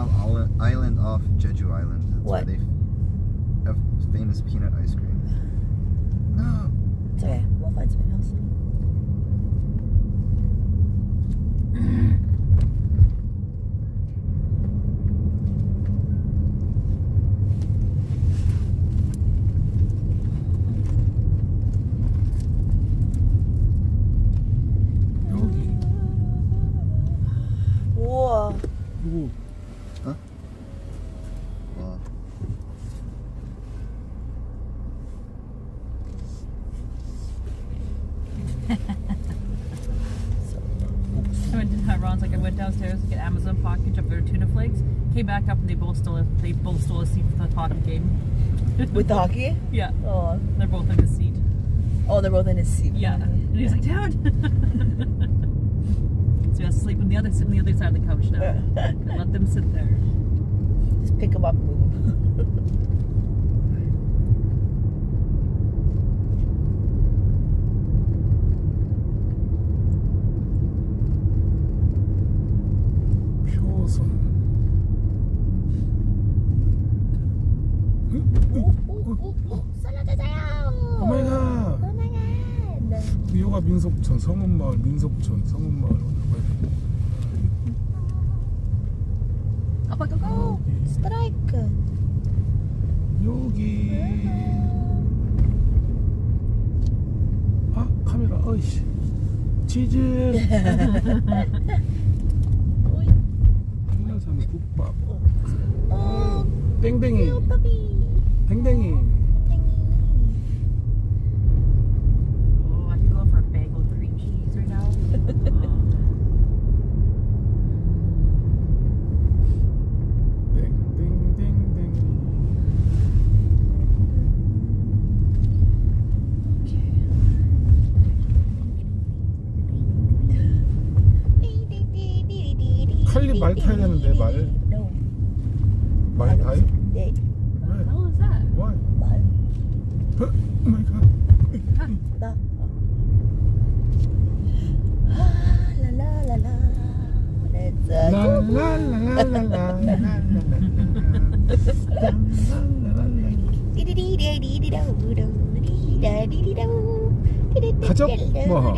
island off Jeju Island. That's What? where they have famous peanut ice cream. No. It's okay. We'll find something else. 우와. 누구? 어? 와. I went to Ron's like I went downstairs to get Amazon package of their tuna flakes. Came back up and they both stole a seat for the hockey game. With the hockey? Yeah, Oh. they're both in the seat. Oh, they're both in his seat. Yeah, and he's like, Dad. So he has to sleep on the other side of the couch now. And let them sit there. Just pick him up and move him. 표선. 썰어주세요. 오마이갓. 오마이갓. 여기가 민속촌, 성읍마을, 민속촌, 성읍마을. 아빠 고고. 스트라이크. 여기. 아, 카메라. 어이씨. 치즈. 한라산 국밥. 어. 땡땡이. 빠비. 땡땡이. Oh, I can go for a bagel with cream cheese right now. 땡땡땡땡. 칼리 말 타야 되는데 말. No. 말 타요? 네. What the hell is that? Why? 말. Oh my god. 나. 라라라라. Let's go. 가족 뭐?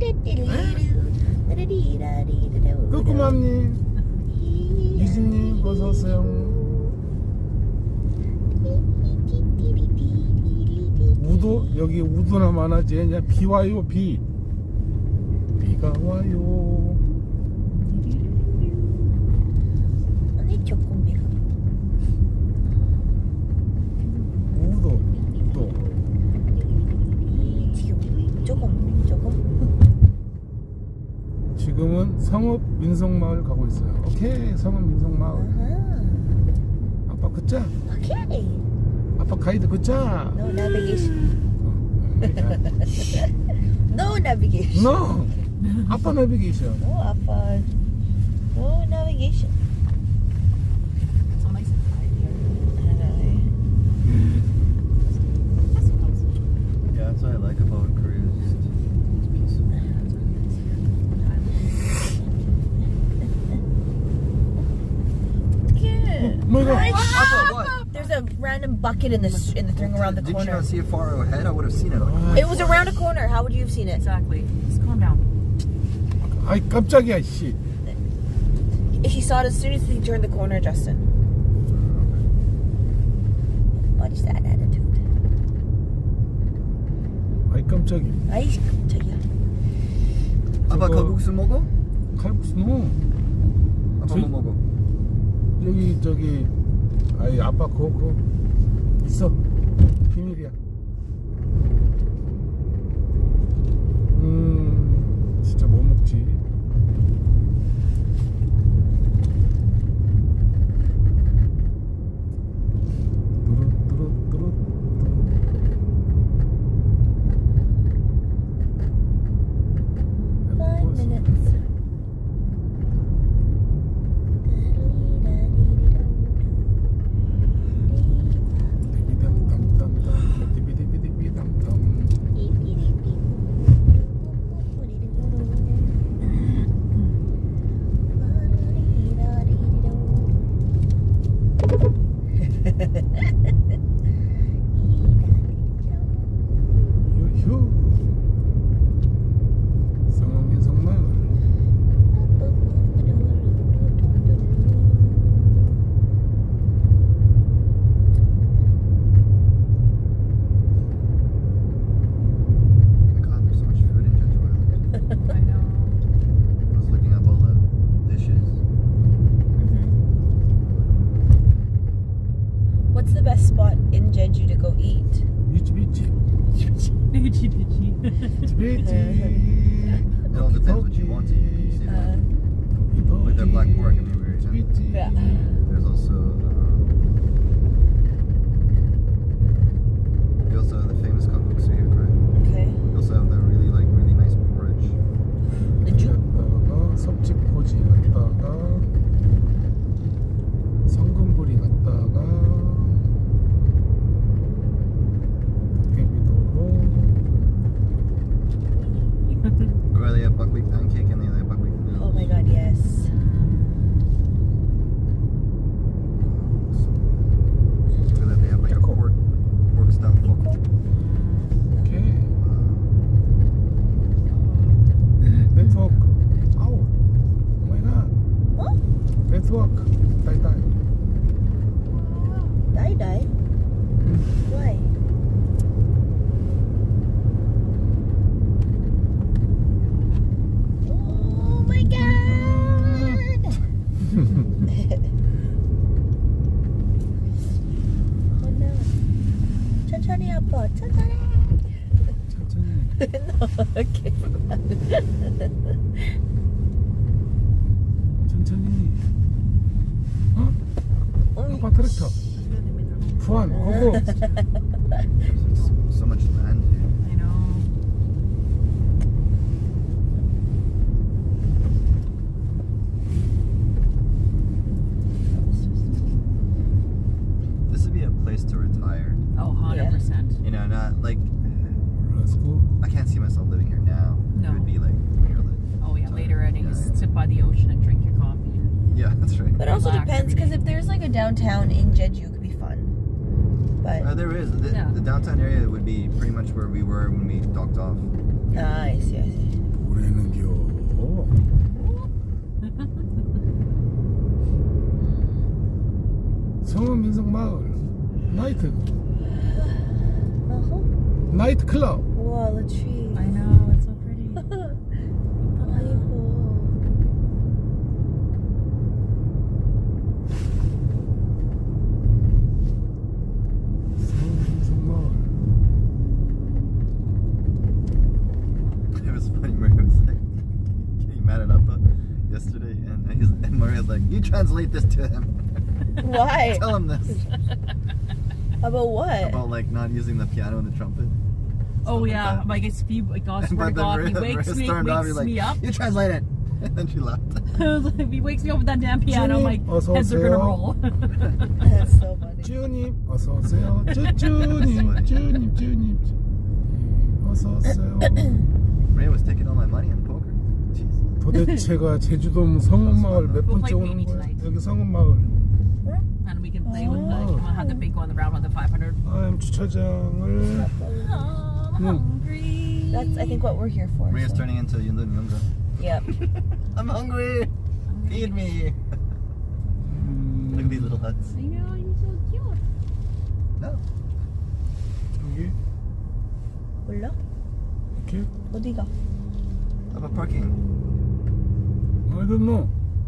꾸꾸맘님, 유진님 어서 오세요. 우도 여기 우도나 많아지. 그냥 비 와요 비. 비가 와요. 언니 조금이라. 우도. 지금 조금. 지금은 성읍 민속마을 가고 있어요. 오케이, 성읍 민속마을. 아빠 굿자. 오케이. 아빠 가이드 굿자. No navigation. No navigation. No. 아빠 내비게이션. No 아빠. No navigation. So nice and quiet here. That's so nice. Yeah, that's what I like about Korea. It's peaceful. Good. Oh my god. Papa, what? There's a random bucket in the thing around the Did you corner. not see it far ahead? I would have seen it. It was around a corner. How would you have seen it? Exactly. Just calm down. 아이 깜짝이야 씨. He saw it as soon as he turned the corner, Justin. Watch that attitude. 아이 깜짝이. 아이 깜짝이야. 아빠 저거- 칼국수 먹어? 칼국수 너. 아빠 뭐 먹어? 여기 저기 아이 아빠 그거 있어. 비밀이야. 진짜 뭐 먹지? 뚜루뚜루뚜루. 5 minutes. 디비담 땀땀땀 디비 Bitchy bitchy. 스피치. It all depends what you want to eat. You see that? Like that black pork, I mean, we were eating. 스피치. Yeah. There's also we also have the famous cookbooks here, right? Okay. We also have the really nice porridge. The Jew. 갔다가 섭지코지 갔다가 성금보리 갔다가 도깨비도로 Or they have buckwheat pancake and they have buckwheat noodles. Oh my god, yes. So that they have like a pork style pho. 오케이 네트워크 아우 오마이갓 Huh? 네트워크 딸딸 Die. Why? Oh my god! Oh no. 천천히 아빠, 천천히. 천천히 No, okay. 천천히 어? 아빠 트랙터 부안 고고 So much land here. I know. This would be a place to retire. Oh, 100%. You know, not like 렛츠고 I can't see myself living here now. No. It would be like when you're like, Oh yeah, later on you just sit by the ocean and drink your coffee. yeah, that's right. But it also Relax depends, every because day. if there's like a downtown in Jeju, it could be fun. But There is Yeah. the downtown area would be pretty much where we were when we docked off. I see. 올해는겨 성원 민속마을 나이트 나이트 클럽 Wow, the tree. I know, it's so pretty. 아이고. 성원 민속마을 It was funny. Maria was like getting mad at Appa yesterday, and Maria's like, "You translate this to him. Why? Tell him this About what? about like not using the piano and the trumpet." Oh like yeah, that. like it's he, like God, swear to But then God, he Maria wakes stormed off, he's like, me up. "You translate it," and then she laughed. If he wakes me up with that damn piano, I'm like, 어서 heads are gonna 오세요. roll. That's so funny. 쭈님 어서 오세요 쭈님 어서 오세요 Maria was taking all my money in poker. Jeez. 도대체가 제주도 성원마을 몇 We'll 번째 play 오는 Amy 거야 tonight. 여기 성원마을 And we can play with the, you want to have the big go on the round with the 500. 주차장을 Oh, I'm hungry. That's, I think, what we're here for. Maria's so. turning into Yundun Yunga. Yep. I'm hungry. Feed me. Look at these little huts. I know, you're so cute. No. 여기 몰라? 이렇게 어디가? How about parking? I don't know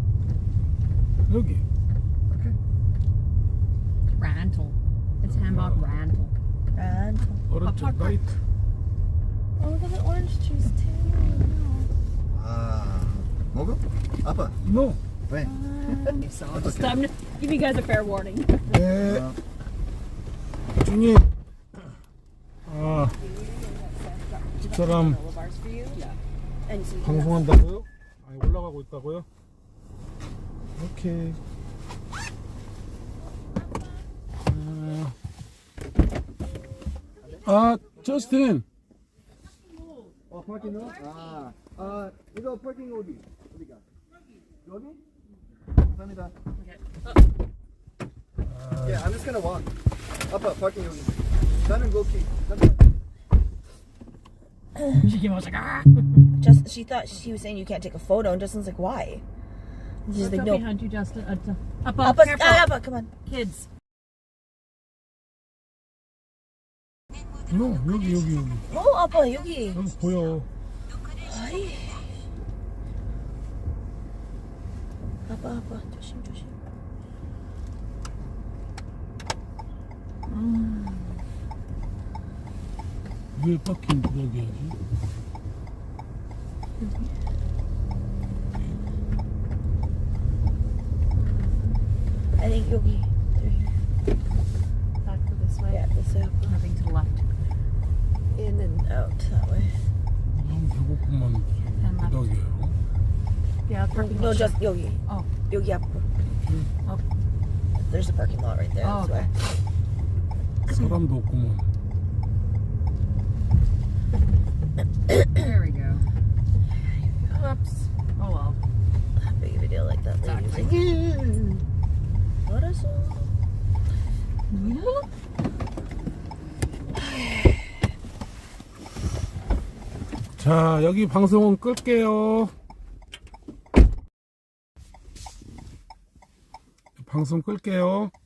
여기 Okay. Rantel. It's Hamburg Rantel. 란. 오른쪽 park. 나이트 Oh, look at the orange trees too. Ah. Mogo? Appa. no Wait. So That's just okay. I'm gonna give you guys a fair warning. 네 주님 아 집사람 방송한다고요? 아니 올라가고 있다고요? 오케이 저스틴 parking 이거 parking 어디가? 여기? 감사합니다. Yeah, I'm just gonna walk. Appa, parking 여기. 나는 고기. She came out like, ah. Just, she thought she was saying you can't take a photo, and Justin's like, why? And she's Look like, up no. behind you, Justin. Up, Appa, careful. Appa, come on. Kids. no 여기 Oh, Appa, 여기. 여기 보여 아이. Appa, 조심. 왜 바퀴 여기 하지? I think 여기. Through here. Back to this way. Yeah, this way. Nothing to the left. In and out that way. 너무 배고프면 부덕이에요. Yeah, parking No, lot. just 여기. Oh. 여기 앞으로. Oh. There's a parking lot right there. Oh, This way. 사람도 없구먼. There we go. Oops. Oh well. Not big of a deal like that. Exactly. What is 자, 여기 방송은 끌게요. 방송 끌게요.